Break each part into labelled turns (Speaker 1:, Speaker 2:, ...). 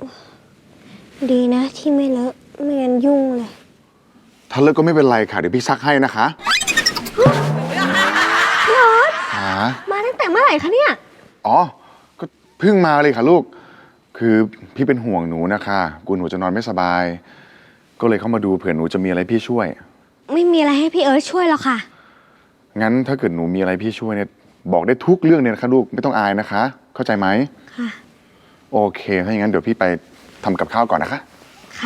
Speaker 1: ดีนะที่ไม่เลอะไม่งั้นยุ่งเลย
Speaker 2: ถ้าเลอะก็ไม่เป็นไรค่ะเดี๋ยวพี่ซักให้นะคะ
Speaker 1: พี่ออส
Speaker 2: หา
Speaker 1: มาตั้งแต่เมื่อไหร่คะเนี่ย
Speaker 2: อ๋อก็เพิ่งมาเลยค่ะลูกคือพี่เป็นห่วงหนูนะคะกลัวหนูจะนอนไม่สบายก็เลยเข้ามาดูเผื่อหนูจะมีอะไรพี่ช่วย
Speaker 1: ไม่มีอะไรให้พี่เอิร์ธช่วยหรอกค่ะ
Speaker 2: งั้นถ้าเกิดหนูมีอะไรพี่ช่วยเนี่ยบอกได้ทุกเรื่องเนี่ยนะคะลูกไม่ต้องอายนะคะเข้าใจไหม
Speaker 1: ค่ะ
Speaker 2: โอเคถ้าอย่างนั้นเดี๋ยวพี่ไปทำกับข้าวก่อนนะคะ
Speaker 1: ค่ะ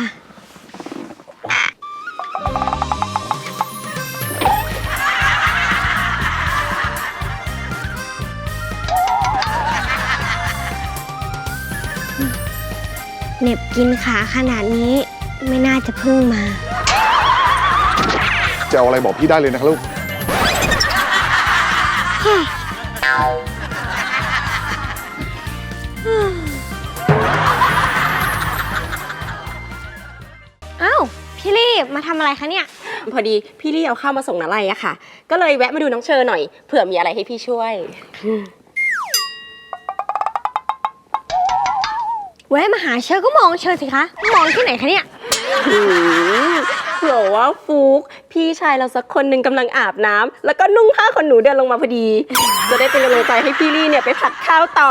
Speaker 1: เหน็บกินขาขนาดนี้ไม่น่าจะพึ่งมา
Speaker 2: จะเอาอะไรบอกพี่ได้เลยนะคะลูก
Speaker 1: อ้าวพี่ลี่มาทำอะไรคะเนี่ย
Speaker 3: พอดีพี่ลี่เอาข้าวมาส่งน้าไลอะค่ะก็เลยแวะมาดูน้องเชอหน่อยเผื่อมีอะไรให้พี่ช่วย
Speaker 1: แวะมาหาเชอก็มองเชอสิคะมองที่ไหนคะเนี่ย
Speaker 3: เผื่อว่าฟุกพี่ชายเราสักคนหนึ่งกำลังอาบน้ำแล้วก็นุ่งผ้าขนหนูเดินลงมาพอดีจะได้เป็นกำลังใจให้พี่ลี่เนี่ยไปผัดข้าวต่อ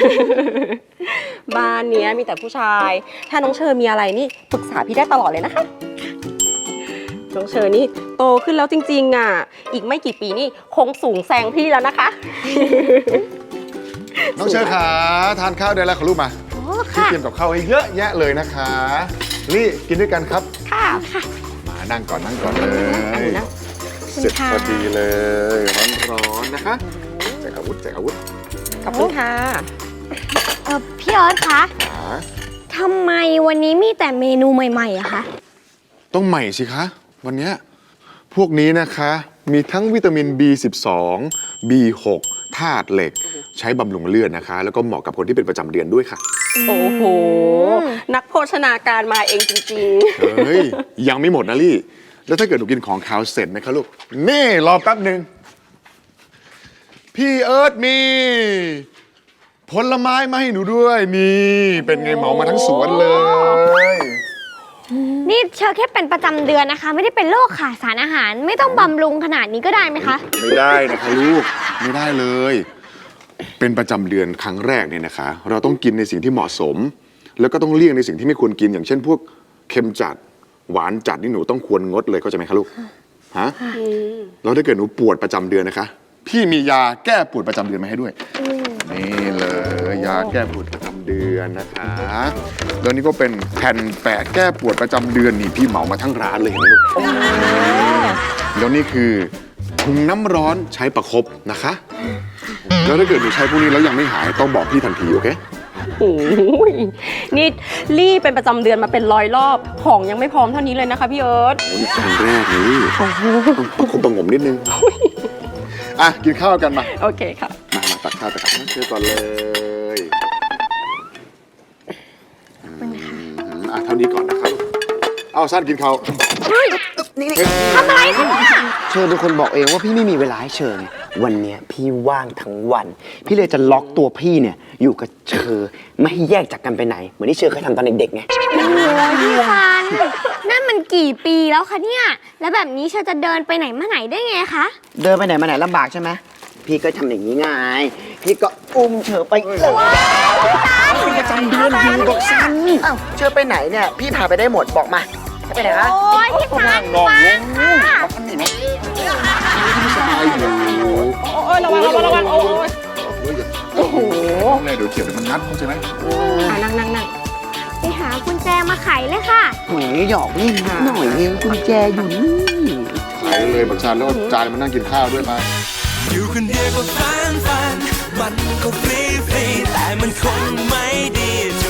Speaker 3: บ้านเนี้ยมีแต่ผู้ชายถ้าน้องเชอมีอะไรนี่ปรึกษาพี่ได้ตลอดเลยนะคะน้องเชอนี่โตขึ้นแล้วจริงๆอ่ะอีกไม่กี่ปีนี่คงสูงแซงพี่แล้วนะคะ
Speaker 2: น้องเชอขาทานข้าวได้แล้วค่ะลูกมาพี่เตรียมกับข้าวให้เยอะแยะเลยนะคะลี่กินด้วยกันครับ
Speaker 3: ค่ะ
Speaker 2: มานั่งก่อนเลยเสร็จพอดีเลยร้อนๆนะคะแจกอาวุธ
Speaker 3: ขอบคุณค่ะ
Speaker 1: พี่ออสคะทำไมวันนี้มีแต่เมนูใหม่ๆอะคะ
Speaker 2: ต้องใหม่สิคะวันนี้พวกนี้นะคะมีทั้งวิตามิน B12 B6 ธาตุเหล็กใช้บำรุงเลือดนะคะแล้วก็เหมาะกับคนที่เป็นประจำเดือนด้วยค่ะ
Speaker 3: โอ้โหนักโภชนาการมาเองจริง
Speaker 2: ๆเฮ้ยยังไม่หมดนะลี่แล้วถ้าเกิดหนูกินของขาวเสร็จนะคะลูกนี่รอแป๊บหนึ่งพี่เอิร์ธมีผลไม้มาให้หนูด้วยนี่เป็นไงเหมามาทั้งสวนเลย
Speaker 1: นี่เชอแค่เป็นประจำเดือนนะคะไม่ได้เป็นโรคขาดสารอาหารไม่ต้องบำรุงขนาดนี้ก็ได้ไหมคะ
Speaker 2: ไม่ได้นะคะลูกไม่ได้เลยเป็นประจำเดือนครั้งแรกเนี่ยนะคะเราต้องกินในสิ่งที่เหมาะสมแล้วก็ต้องเลี่ยงในสิ่งที่ไม่ควรกินอย่างเช่นพวกเค็มจัดหวานจัดนี่หนูต้องควรงดเลยเข้าใจไหมคะลูกฮะแล้วถ้าเกิดหนูปวดประจำเดือนนะคะพี่มียาแก้ปวดประจำเดือนมาให้ด้วยนี่เลยยาแก้ปวดประจำเดือนนะคะแล้วนี่ก็เป็นแผ่นแปะแก้ปวดประจำเดือนนี่พี่เหมามาทั้งร้านเลยเห็นไหมลูกแล้วนี่คือถุงน้ำร้อนใช้ประคบนะคะแล้วถ้าเกิดหนูใช้พวกนี้แล้วยังไม่หายต้องบอกพี่ทันทีโอเค
Speaker 3: โอ้ยนี่ลี่เป็นประจำเดือนมาเป็น100 รอบของยังไม่พร้อมเท่านี้เลยนะคะพี่เอิร์ธ
Speaker 2: นี่ครั้งแรกนี่ต้องประคบประงมนิดนึงอ่ะกินข้าวกันมา
Speaker 3: โอเคค่ะ
Speaker 2: มาตักข้าวตักน้ำเชื่อก่อนเลยเท่านี้ก่อนนะครับเอาสั้นกินข้าว
Speaker 1: ทำอะไรคะเนี่ย
Speaker 4: เชิญเป็นคนบอกเองว่าพี่ไม่มีเวลาให้เชิญวันนี้พี่ว่างทั้งวันพี่เลยจะล็อกตัวพี่เนี่ยอยู่กับเชอไม่ให้แยกจากกันไปไหนเหมือนที่เชอเคยทำตอนเด็กๆไง
Speaker 1: โอ้ยพี่ฟันนั่นมันกี่ปีแล้วคะเนี่ยแล้วแบบนี้เชอจะเดินไปไหนมาไหนได้ไงคะ
Speaker 4: เดินไปไหนมาไหนลำบากใช่ไหมพี่ก็ทำอย่างนี้ไงพี่ก็อุ้มเชอไปเลยประจำเดือนอยู่บอกซันเชอไปไหนเนี่ยพี่พาไปได้หมดบอกมาจะไปไหนคะ
Speaker 1: โอ้ยพี่ฟันฟังค่ะ
Speaker 4: ทำหนิไหม
Speaker 2: สบายอยู่
Speaker 3: โอ้ยระวังโอ้โห
Speaker 2: แม่เดี๋ยวเขียวเดี๋ยวมันงัดเข้าใจไหม
Speaker 3: นั่ง
Speaker 1: ไปหากุญแจมาไขเลยค่ะ
Speaker 4: โอ้ยหยอกเล่นหน่อยเองกุญแจอยู่นี่
Speaker 2: ไขเลยบักชาแล้วจานมานั่งกินข้าวด้วยมา
Speaker 5: อยู่คนเดียวก็ฟันมันก็ฟรีแต่มันคงไม่ดีเ